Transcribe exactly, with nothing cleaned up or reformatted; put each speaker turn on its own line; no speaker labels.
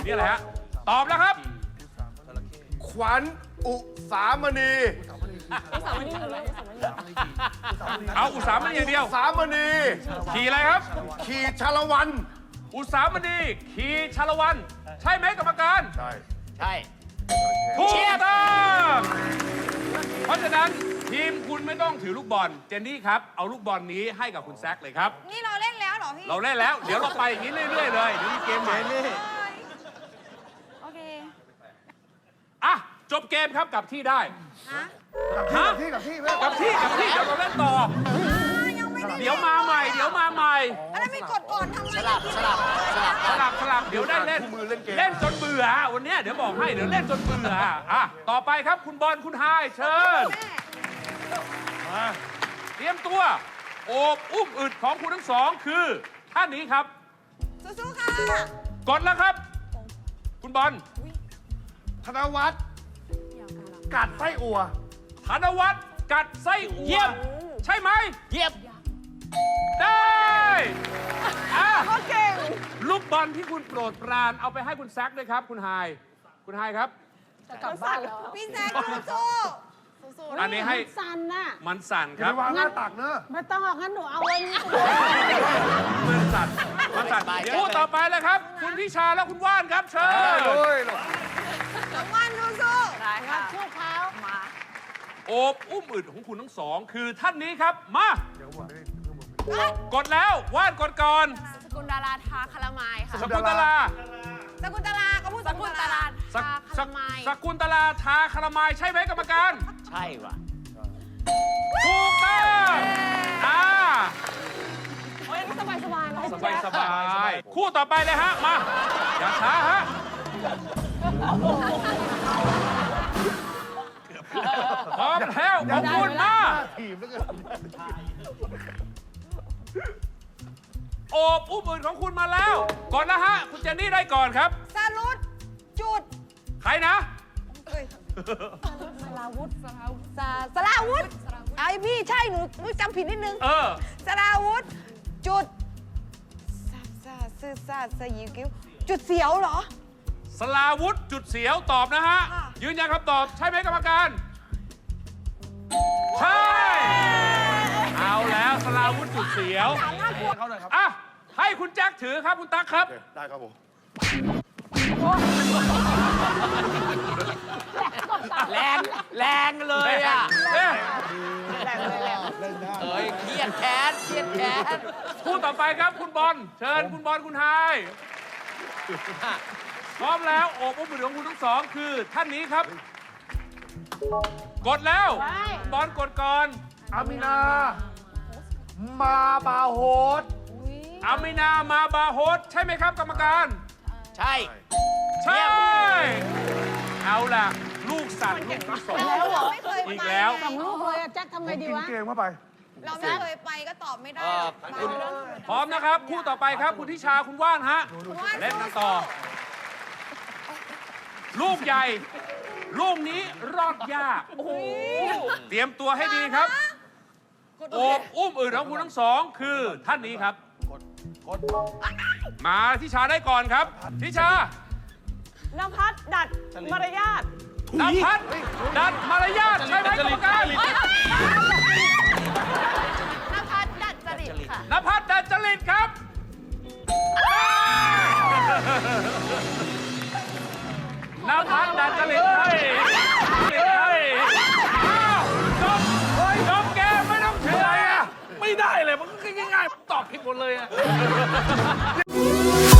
นี่อะไรฮะตอบแล้วครับ
ขวัญอุสามณี
เอาอุสามณีอย่างเดียว
สามณี
ขี่อะไรครับ
ขี่ชาละวัน
อุสามณีขี่ชาละวัน ใช่ไหมกรรมการ
ใช่
ใช่
ถูกต้องเพราะฉะนั้นทีมคุณไม่ต้องถือลูกบอลเจนนี่ครับเอาลูกบอลนี้ให้กับคุณแซคเลยครับ
นี่เราเล่นแล้วเหรอพี่
เราเล่นแล้วเดี๋ยวเราไปอย่างนี้เรื่อยๆเลยเดี๋ยวมีเกมใหม่
โอเค
อ่ะจบเกมครับกลับที่ได้
ฮะ
ฮะ
ที่กับที่เพื่อน
กลับที่กลับที่เดี๋ยวเราเล่นต่อ
ยังไม่ได้
เดี๋ยวมาใหม่ เดี๋ยวมาใหม่
แล้วไม่กดก่อนทำไม
สลับสลับสลับ
สลับสลับเดี๋ยวได้เล่นเล่นจนเบื่อวันนี้เดี๋ยวบอกให้เดี๋ยวเล่นจนเบื่ออ่ะต่อไปครับคุณบอลคุณไฮเชิญมาเตรียมตัวโอบอุ้มอึดของคุณทั้งสองคือท่านนี้ครับ
สู้ๆค่ะ
กดแล้วครับ คุณบอล
ธนวัฒน์กัดไส้อั่ว
ธนวัฒน์กัดไส้อั่ว
เยี่ยม
ใช่ไหม
เยี่ยม
ได้อ่ะ
โอเค
ลูกบอลที่คุณโปรดปรานเอาไปให้คุณแซคด้วยครับ คุณไฮคุณไฮครับ
กลับบ้านแล้วพี่แซคสู้ๆ
อันนี้ให้
สั่นน่ะ
มันสั่น
อ
ค
ย่า
รับ
ไปวางหน้าตักเนอะ
ไม่ต้องออกงั้นหนูเอาไว้นี่
มันสั่นมันสั่นคู่ต่อไปเลยครับ คุณทิชาและคุณว่านครับเชิญ
โอ้ย
น้องวันสู้ๆได้ค่ะ
สู้เขา
มา
โอบอุ้มอึดของคุณทั้งสอง คือท่านนี้ครับมา
เดี๋ยวผมไม่ได้
กดแล้วว่านกดก่อน
สกุลดาราทาคารามายค่ะ
สกุลตลา
สกุลตลาก็พูดสกุลตลา
ส
ทา
ส
คารามาย
สกุลตลาทาคารามายใช่ไหมกรรมการ
ใช่ว่ะ
ถูกต้องอ่า
โอ้ยสบายสบายเลย
สบายสบายคู่ต่อไปเลยฮะ มา อย่าช้าฮะ พร้อมแล้วขอบคุณมาก
ถีบแล้วกัน
โอบอุ้มอื่นของคุณมาแล้ว ก่อนนะฮะ คุณเจนนี่ได้ก่อนครับ
สรุปจุด
ใครนะ
เอ้ย
สลาวุธ
สาสลาวุธไอพี่ใช่หนูหนูจำผิดนิดนึง
เออ
สลาวุธจุดซาซาซื่อซาสยิวกิ้วจุดเสียวเหรอ
สลาวุธจุดเสียวตอบนะฮะ
ค่ะ
ยืนยันคำตอบใช่ไหมกรรมการ ใช่ เอาแล้วสลาวุธจุดเสียว
เขาหน่อยครับ
อ่ะ ให้คุณแจ็คถือครับคุณตั๊กครับ
ได้ครับผม
แรงแรงเลยอ่ะ
เนี่ย
เอ้ยเครียดแค้นเครียดแค้น
คู่ต่อไปครับคุณบอล เชิญคุณบอลคุณไฮพร้อมแล้วโอบอุ้มมือของคุณทั้งสองคือท่านนี้ครับ กดแล้วบอลกดก่อน
อามินา มาบาโฮส
อามินามาบาโฮสใช่ไหมครับกรรมการ
ใช่
ใช่ เอาล่ะ ลูกสั่นลูกที่สอง
เราไม่เคย
อีก
ไป
แล้ว
สองลูกเลยอะแจ็คทำไงดี
กิน
วะ
เกมเข้าไป
เราไม่เคยไปก็ตอบไม่ได้
เออ
มา
คุณ
เรื่อง
พร้อมนะครับ คู่ต่อไปครับ คุณทิชาคุณว่านฮะ เล่นกันต่อ ลูกใหญ่ ลูกนี้รอดยาก เตรียมตัวให้ดีครับ โอบอุ้มอื่นของคุณทั้งสอง คือท่านนี้ครับ มาทิชาได้ก่อนครับ ทิชาน
ภัสดัดมารยาท
นภัสดัดมารยาทใช่ไหมกรรมการ
นภัสดัดจริตค่ะ
นภัสดัดจริตครับนภัสดัดจริตให้ให้อ้าวจบจบเกมไม่ต้องเฉยอ่ะ
ไม่ได้เลย มันก็ง่ายๆ ตอบผิดหมดเลยอะ